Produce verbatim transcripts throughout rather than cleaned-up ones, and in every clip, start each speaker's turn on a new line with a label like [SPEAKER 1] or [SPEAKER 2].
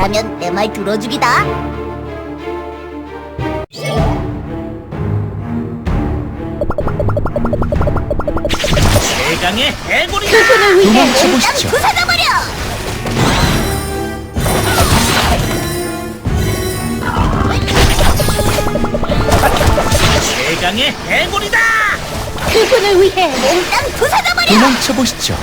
[SPEAKER 1] 말하면 내 말 들어주기다.
[SPEAKER 2] 대강의 해골이다.
[SPEAKER 1] 그분을 위해
[SPEAKER 3] 도망쳐보시죠.
[SPEAKER 1] 부숴버려.
[SPEAKER 2] 대강의 해골이다.
[SPEAKER 1] 그분을 위해 몽땅 부숴버려.
[SPEAKER 3] 도망쳐보시죠.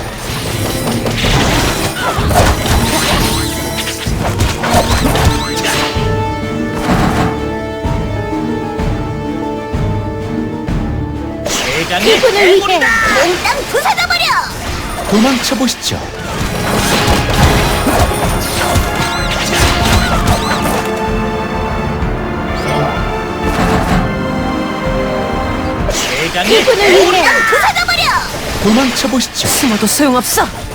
[SPEAKER 2] 대강의
[SPEAKER 1] 그분을 위해
[SPEAKER 2] 해골이다.
[SPEAKER 1] 몽땅 부숴버려.
[SPEAKER 3] 도망쳐보시죠.
[SPEAKER 2] 대강의
[SPEAKER 1] 그분을 위해
[SPEAKER 2] 해골이다.
[SPEAKER 1] 부숴버려.
[SPEAKER 3] 도망쳐보시죠.
[SPEAKER 4] 숨어도 소용없어.